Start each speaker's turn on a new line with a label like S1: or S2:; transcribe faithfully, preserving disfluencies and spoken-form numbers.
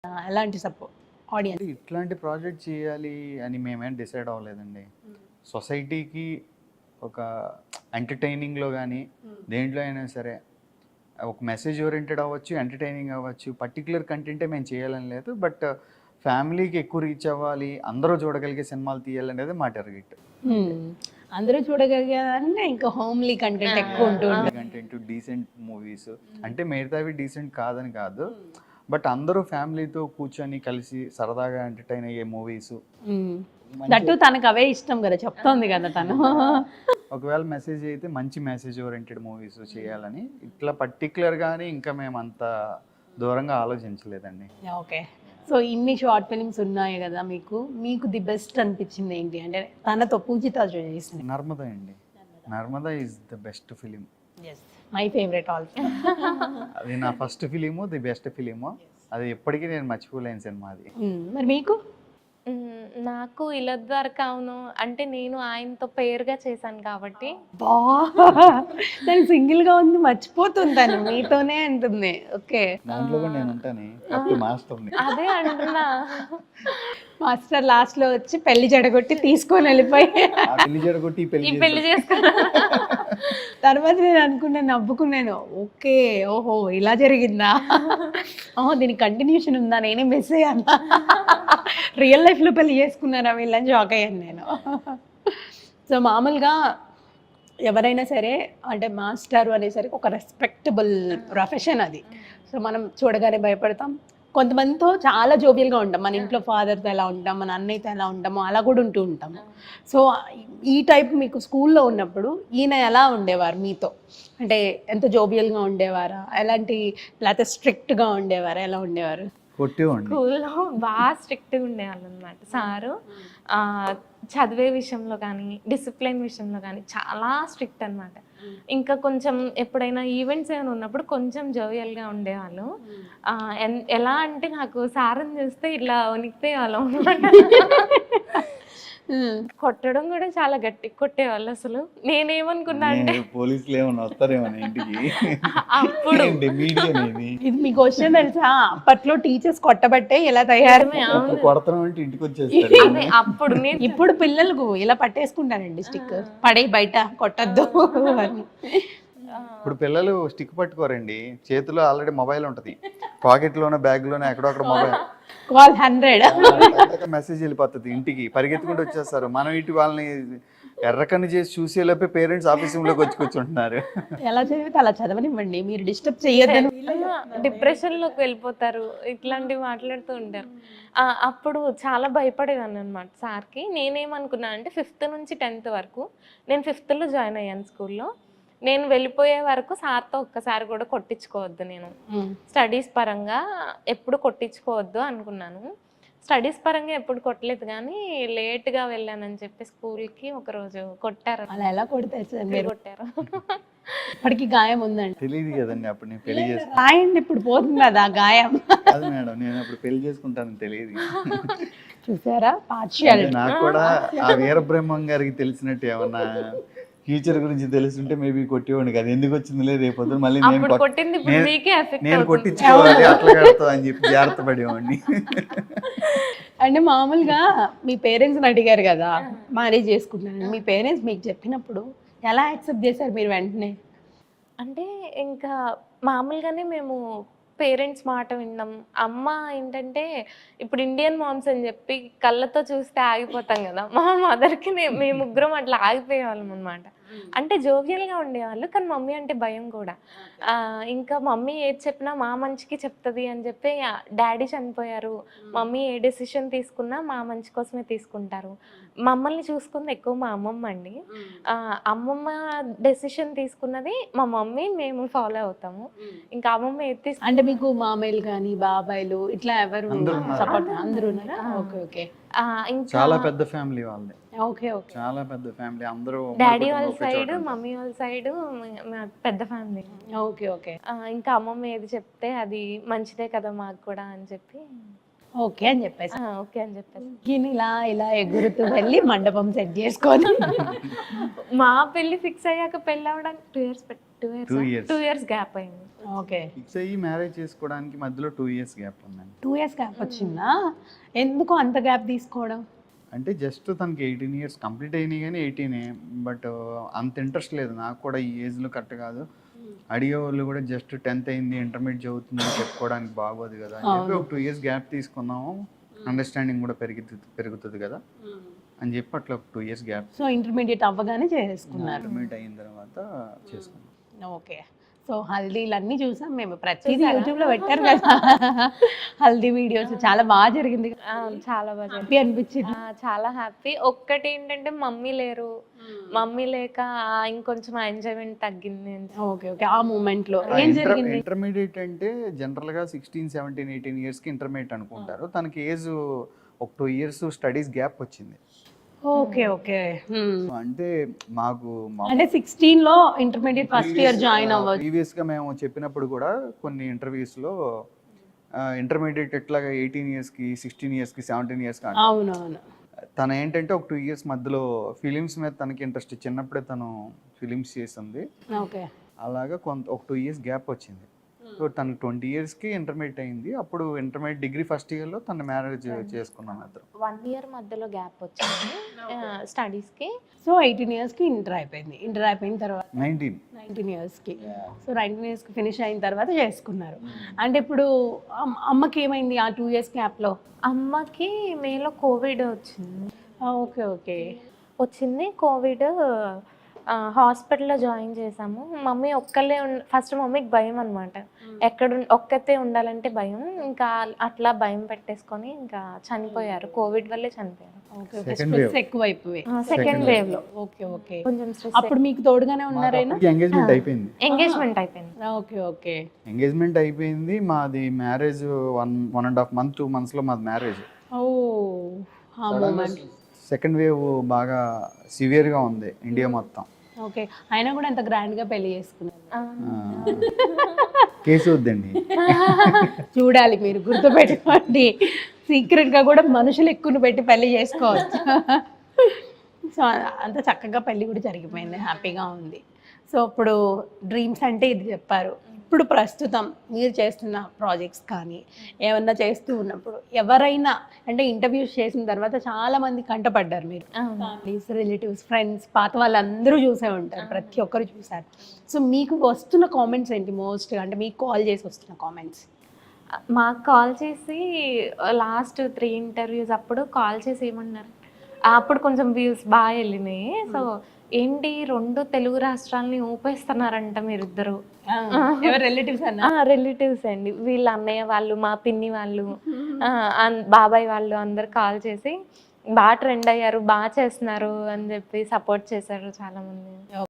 S1: ఎలాంటి support audience?
S2: అంటే ఇట్లాంటి ప్రాజెక్ట్ చేయాలి అని మేమేం డిసైడ్ అవ్వలేదండి. సొసైటీకి ఒక ఎంటర్టైనింగ్లో కానీ దేంట్లో అయినా సరే ఒక మెసేజ్ ఓరియంటెడ్ అవ్వచ్చు, ఎంటర్టైనింగ్ అవ్వచ్చు, పర్టికులర్ కంటెంటే మేము చేయాలని లేదు. బట్ ఫ్యామిలీకి ఎక్కువ రీచ్ అవ్వాలి, అందరూ చూడగలిగే సినిమాలు తీయాలనేది మా టార్గెట్.
S1: అందరూ చూడగలిగారంటే ఇంకా హోమ్లీ కంటెంట్ ఎక్కువ ఉంటుంది.
S2: కంటెంట్ డీసెంట్ మూవీస్ అంటే మిగతావి డీసెంట్ కాదని కాదు, బట్ అందరూ ఫ్యామిలీతో కూర్చొని కలిసి సరదాగా ఎంటర్టైన్ అయ్యే మూవీస్.
S1: దట్టు తనకు అవే ఇష్టం కదా, చెప్తోంది కదా తను.
S2: ఒకవేళ మెసేజ్ అయితే మంచి మెసేజ్ ఓరియంటెడ్ మూవీస్ చేయాలని ఇట్లా పర్టికులర్గానే ఇంకా మేము అంత దూరంగా ఆలోచించలేదండి.
S1: ఓకే, సో ఇన్ని షార్ట్ ఫిలిమ్స్ ఉన్నాయి కదా, మీకు మీకు ది బెస్ట్ అనిపించింది ఏంటి? అంటే తనతో పూజిత చేసింది
S2: నర్మదా అండి. Narmada is the best film.
S1: My favourite also.
S2: అది నా first film, the best film. అది ఎప్పటికీ నేను మర్చిపోలేని సినిమా అది.
S1: మరి మీకు?
S3: నాకు ఇలా ద్వారా అవును అంటే నేను ఆయనతో పేరుగా చేశాను కాబట్టి
S1: బా తను సింగిల్ గా ఉంది, మర్చిపోతుంది తను, మీతోనే అంటుంది. ఓకే,
S2: దాంట్లో కూడా నేను ఉంటాను మాస్టర్ని.
S3: అదే అంటున్నా,
S1: మాస్టర్ లాస్ట్ లో వచ్చి పెళ్లి జడగొట్టి తీసుకొని వెళ్ళిపోయి
S2: పెళ్లి జడగొట్టి
S3: ఈ పెళ్లి చేసుకున్నా.
S1: తర్వాత నేను అనుకున్నాను, నవ్వుకున్నాను. ఓకే, ఓహో ఇలా జరిగిందా, ఓహో దీనికి కంటిన్యూషన్ ఉందా, నేనే మిస్ అయ్యాను, రియల్ లైఫ్ లో పెళ్లి చేసుకున్నారా వీళ్ళని షాక్ అయ్యాను నేను. సో మామూలుగా ఎవరైనా సరే అంటే మాస్టర్ అనేసరికి ఒక రెస్పెక్టబుల్ ప్రొఫెషన్ అది. సో మనం చూడగానే భయపడతాం. కొంతమందితో చాలా జోబియల్గా ఉంటాం, మన ఇంట్లో ఫాదర్తో ఎలా ఉంటాం, మన అన్నయ్యతో ఎలా ఉంటామో అలా కూడా ఉంటూ ఉంటాము. సో ఈ టైప్ మీకు స్కూల్లో ఉన్నప్పుడు ఈయన ఎలా ఉండేవారు మీతో? అంటే ఎంత జోబియల్గా ఉండేవారా, ఎలాంటి, లేకపోతే స్ట్రిక్ట్గా ఉండేవారా, ఎలా ఉండేవారు?
S3: స్కూల్లో బాగా స్ట్రిక్ట్గా ఉండేవాళ్ళు అనమాట సారు. చదివే విషయంలో కానీ డిసిప్లిన్ విషయంలో కానీ చాలా స్ట్రిక్ట్ అనమాట. ఇంకా కొంచెం ఎప్పుడైనా ఈవెంట్స్ ఏమైనా ఉన్నప్పుడు కొంచెం జోవియల్గా ఉండేవాళ్ళు. ఎలా అంటే నాకు సార్ని చూస్తే ఇట్లా వణికితే వాళ్ళం అనమాట. కొట్టడం కూడా చాలా గట్టి కొట్టేవాళ్ళు. అసలు నేనేమనుకున్నా అంటే
S2: పోలీసులు ఏమన్నా వస్తారేమో ఇంటికి
S3: అప్పుడు.
S1: ఇది మీ క్వశ్చన్ తెలుసా, అప్పట్లో టీచర్స్ కొట్టబట్టే ఇలా తయారు
S2: ఇంటికి వచ్చేస్తారు.
S3: అప్పుడు
S1: ఇప్పుడు పిల్లలకు ఇలా పట్టేసుకుంటానండి స్టిక్, పడే బయట కొట్టద్దు అని.
S2: ఇప్పుడు పిల్లలు స్టిక్ పట్టుకోరండి, చేతిలో ఆల్రెడీ మొబైల్ ఉంటది, పాకెట్ లోనే బ్యాగ్ లోనే ఎక్కడో అక్కడ మొబైల్
S1: కాల్ హండ్రెడ్
S2: మెసేజ్ వెళ్ళిపోతుంది, ఇంటికి పరిగెత్తుకుంటూ వచ్చేస్తారు. మనం ఇటు వాళ్ళని ఎర్రకన్ను చేసి చూసేలోపే పేరెంట్స్ ఆఫీస్ రూమ్లోకి వచ్చి కూర్చుంటున్నారు.
S1: ఎలా చదివితే అలా చదవనివ్వండి, మీరు డిస్టర్బ్ చేయొద్దని.
S3: డిప్రెషన్లోకి వెళ్ళిపోతారు, ఇట్లాంటివి మాట్లాడుతూ ఉంటారు. అప్పుడు చాలా భయపడేదాన్ని అనమాట సార్కి. నేనేమనుకున్నా అంటే ఫిఫ్త్ నుంచి టెన్త్ వరకు నేను ఫిఫ్త్లో జాయిన్ అయ్యాను స్కూల్లో. నేను వెళ్ళిపోయే వరకు సార్తో ఒక్కసారి కూడా కొట్టించుకోవద్దు, నేను స్టడీస్ పరంగా ఎప్పుడు కొట్టించుకోవద్దు అనుకున్నాను. స్టడీస్ పరంగా ఎప్పుడు కొట్టలేదు, కానీ లేట్గా వెళ్ళానని చెప్పి స్కూల్కి ఒకరోజు కొట్టారు.
S1: అలా ఎలా కొడతారు సార్ మీరు?
S3: కొట్టారు.
S1: ఇప్పటికి గాయం ఉందండి.
S2: తెలియదు కదండి, అప్పుడు నేను పెళ్లి చేసుకుంటాను.
S1: రాయండి, ఇప్పుడు పోతుంది కదా గాయం.
S2: అది మేడం, నేను అప్పుడు పెళ్లి చేసుకుంటానని తెలియదు.
S1: చూసారా పార్షియాలిటీ.
S2: నాకు కూడా ఆ వీరబ్రహ్మం గారికి తెలిసినట్టు ఏమన్నా ఫ్యూచర్ గురించి తెలుసుంటే మేబీ కొట్టేవాడిని కదా, ఎందుకు వచ్చింది లేదు రేపు పొద్దున మళ్ళీ నేను కొట్టించుకోవాలి అట్లా కడతా అని చెప్పి జాగ్రత్త పడేవాడిని.
S1: అంటే మామూలుగా మీ పేరెంట్స్ని అడిగారు కదా మ్యారేజ్ చేసుకుంటున్నాను, మీ పేరెంట్స్ మీకు చెప్పినప్పుడు ఎలా యాక్సెప్ట్ చేశారు మీరు వెంటనే?
S3: అంటే ఇంకా మామూలుగానే మేము పేరెంట్స్ మాట విన్నాం. అమ్మ ఏంటంటే ఇప్పుడు ఇండియన్ మామ్స్ అని చెప్పి కళ్ళతో చూస్తే ఆగిపోతాం కదా, మా మదర్కి మేము ముగ్గురం అట్లా ఆగిపోయేవాళ్ళం అనమాట. అంటే జోవియల్గా ఉండేవాళ్ళు, కానీ మమ్మీ అంటే భయం కూడా. ఇంకా మమ్మీ ఏది చెప్పినా మా మంచికి చెప్తుంది అని చెప్పి, డాడీ చనిపోయారు, మమ్మీ ఏ డెసిషన్ తీసుకున్నా మా మంచి కోసమే తీసుకుంటారు. మమ్మల్ని చూసుకుంది ఎక్కువ మా అమ్మమ్మ అండి. అమ్మమ్మ డెసిషన్ తీసుకున్నది మా మమ్మీ మేము ఫాలో అవుతాము. ఇంకా అమ్మమ్మ ఏది తీసుకు
S1: అంటే మీకు మామయ్యలు కానీ బాబాయ్లు ఇట్లా ఎవరు సపోర్ట్? అందరూ ఉన్నారా? Okay okay.
S2: చాలా పెద్ద ఫ్యామిలీ వాళ్ళది.
S1: ఓకే ఓకే,
S2: చాలా పెద్ద ఫ్యామిలీ. అందరూ
S3: డాడీ వాళ్ళ సైడ్, మమ్మీ వాళ్ళ సైడ్ పెద్ద ఫ్యామిలీ.
S1: Okay okay.
S3: ఇంకా అమ్మమ్మ ఏది చెప్తే అది మంచిదే కదా మాకు కూడా అని చెప్పి
S1: ఓకే అని చెప్పేసి
S3: ఓకే అని చెప్పేసి
S1: ఇలా ఇలా ఎగురుతూ వెళ్ళి మండపం సెట్ చేసుకొని
S3: మా పెళ్లి ఫిక్స్ అయ్యాక పెళ్ళి అవడానికి two years two years two years gap అయింది.
S1: ఓకే
S2: ఫిక్స్ అయ్యి మ్యారేజ్ చేసుకోవడానికి మధ్యలో టూ ఇయర్స్ గ్యాప్ ఉందండి.
S1: టూ ఇయర్స్ గ్యాప్ వచ్చిందా? ఎందుకు అంత గ్యాప్ తీసుకోవడం?
S2: అంటే జస్ట్ తనకి ఎయిటీన్ ఇయర్స్ కంప్లీట్ అయినాయి కానీ ఎయిటీనే, బట్ అంత ఇంట్రెస్ట్ లేదు నాకు కూడా ఈ ఏజ్లో కరెక్ట్ కాదు. అడిగే వాళ్ళు కూడా జస్ట్ టెన్త్ అయింది ఇంటర్మీడియట్ చదువుతుంది అని చెప్పుకోవడానికి బాగోదు కదా అని చెప్పి ఒక టూ ఇయర్స్ గ్యాప్ తీసుకున్నాము. అండర్స్టాండింగ్ కూడా పెరుగుతుంది పెరుగుతుంది కదా అని చెప్పి అట్లా ఒక two years gap.
S1: So intermediate అవ్వగానే చేసుకున్నారు.
S2: ఇంటర్మీడియట్ అయిన తర్వాత చేసుకున్నాం.
S1: ఓకే. సో హల్దీలు అన్నీ చూసాం మేము, ప్రతిదీ యూట్యూబ్లో పెట్టారు కదా హల్దీ వీడియోస్. చాలా బాగా జరిగింది,
S3: ఆ, చాలా బాగా
S1: హ్యాపీ అనిపించింది.
S3: ఆ, చాలా హ్యాపీ. ఒక్కటి ఏంటంటే మమ్మీ లేరు, మమ్మీ లేక ఆ, ఇంకొంచెం ఎంజాయ్మెంట్ తగ్గింది.
S1: Okay okay. ఆ మూమెంట్ లో ఏం జరిగింది?
S2: ఇంటర్మీడియట్ అంటే జనరల్ గా సిక్స్టీన్ సెవెంటీన్ ఎయిటీన్ ఇయర్స్ కి ఇంటర్మీడియట్ అనుకుంటారు. తనకి ఏజ్ ఒక టూ ఇయర్స్ స్టడీస్ గ్యాప్ వచ్చింది.
S1: Okay okay.
S2: అంటే మాకు
S1: అంటే సిక్స్టీన్ లో ఇంటర్మీడియట్ ఫస్ట్ ఇయర్ జాయిన్ అవ్వచ్చు.
S2: ప్రీవియస్ గా మేము చెప్పినప్పుడు కూడా కొన్ని ఇంటర్వ్యూస్ లో ఇంటర్మీడియట్ ఎట్లాగా ఎయిటీన్ ఇయర్స్ కి సిక్స్టీన్ ఇయర్స్ కి సెవెంటీన్ ఇయర్స్ కి
S1: అవునవును.
S2: తను ఏంటంటే ఒక టూ ఇయర్స్ మధ్యలో ఫిలిమ్స్ మీద తనకి ఇంట్రెస్ట్, చిన్నప్పుడే తను ఫిలిమ్స్ చేసింది.
S1: ఓకే.
S2: అలాగా కొంత ఒక టూ ఇయర్స్ గ్యాప్ వచ్చింది. సో తను ట్వంటీ ఇయర్స్కి ఇంటర్మీడియట్ అయింది. అప్పుడు ఇంటర్మీడియట్ డిగ్రీ ఫస్ట్ ఇయర్లో తను మ్యారేజ్ చేసుకున్నాం ఇద్దరు.
S3: వన్ ఇయర్ మధ్యలో గ్యాప్ వచ్చింది స్టడీస్ కి.
S1: సో ఎయిటీన్ ఇయర్స్ కి ఇంటర్ అయిపోయింది. ఇంటర్ అయిపోయిన తర్వాత
S2: నైన్టీన్
S1: నైన్టీన్ ఇయర్స్ కి సో నైన్టీన్ ఇయర్స్ కి ఫినిష్ అయిన తర్వాత చేసుకున్నారు. అంటే ఇప్పుడు అమ్- అమ్మకి ఏమైంది ఆ టూ ఇయర్స్ గ్యాప్ లో?
S3: అమ్మకి మేలో కోవిడ్ వచ్చింది.
S1: Okay okay.
S3: వచ్చింది కోవిడ్. హాస్పిటల్లో జాయిన్ చేసాము. మమ్మీ ఒక్కళ్ళే ఫస్ట్ మమ్మీకి భయం అనమాట, ఎక్కడ ఉన్- ఒక్కతే ఉండాలంటే భయం. ఇంకా అట్లా భయం పెట్టేసుకొని ఇంకా చనిపోయారు. కోవిడ్ వల్లే చనిపోయారు.
S1: Okay okay.
S2: Second
S1: stress
S2: wave.
S1: ఎక్కువ అయిపోయి.
S3: సెకండ్ వేవ్ లో
S1: ఓకే ఓకే.
S3: కొంచెం స్ట్రెస్.
S1: అప్పుడు మీకు తోడుగానే ఉన్నారైనా?
S2: ఎంగేజ్మెంట్ అయిపోయింది.
S3: ఎంగేజ్మెంట్ అయిపోయింది.
S1: Okay okay.
S2: ఎంగేజ్మెంట్ అయిపోయింది. మాది marriage one one and half month two మంత్స్లో మాది మ్యారేజ్.
S1: ఓ ఆ మూమెంట్.
S2: సెకండ్ వేవ్ బాగా సివియర్గా ఉంది ఇండియా మొత్తం.
S1: ఓకే. అయినా కూడా ఎంత గ్రాండ్ గా పెళ్లి చేసుకున్నారు.
S2: కేసు వద్దండి.
S1: చూడాలి, మీరు గుర్తుపెట్టుకోండి. సీక్రెట్ గా కూడా మనుషులు ఎక్కువ పెట్టి పెళ్లి చేసుకోవచ్చు. సో అంత చక్కగా పెళ్లి కూడా జరిగిపోయింది, హ్యాపీగా ఉంది. సో ఇప్పుడు డ్రీమ్స్ అంటే ఇది చెప్పారు. ఇప్పుడు ప్రస్తుతం మీరు చేస్తున్న ప్రాజెక్ట్స్ కానీ ఏమన్నా చేస్తూ ఉన్నప్పుడు ఎవరైనా అంటే ఇంటర్వ్యూస్ చేసిన తర్వాత చాలా మంది కంటపడ్డారు మీరు, ఫ్యామిలీస్, రిలేటివ్స్, ఫ్రెండ్స్, పాత వాళ్ళందరూ చూసే ఉంటారు, ప్రతి ఒక్కరు చూసారు. సో మీకు వస్తున్న కామెంట్స్ ఏంటి మోస్ట్గా? అంటే మీకు కాల్ చేసి వస్తున్న కామెంట్స్?
S3: మాకు కాల్ చేసి లాస్ట్ త్రీ ఇంటర్వ్యూస్ అప్పుడు కాల్ చేసి ఏమన్నారు, అప్పుడు కొంచెం వ్యూస్ బాగా వెళ్ళినాయి. సో ఏంటి రెండు తెలుగు రాష్ట్రాలని ఊపేస్తున్నారంట మీరిద్దరు.
S1: ఎవరు రిలేటివ్స్ అన్న?
S3: రిలేటివ్స్ అండి, వీళ్ళ అన్నయ్య వాళ్ళు, మా పిన్ని వాళ్ళు, బాబాయ్ వాళ్ళు అందరు కాల్ చేసి బాగా ట్రెండ్ అయ్యారు, బాగా చేస్తున్నారు అని చెప్పి సపోర్ట్ చేశారు చాలా మంది.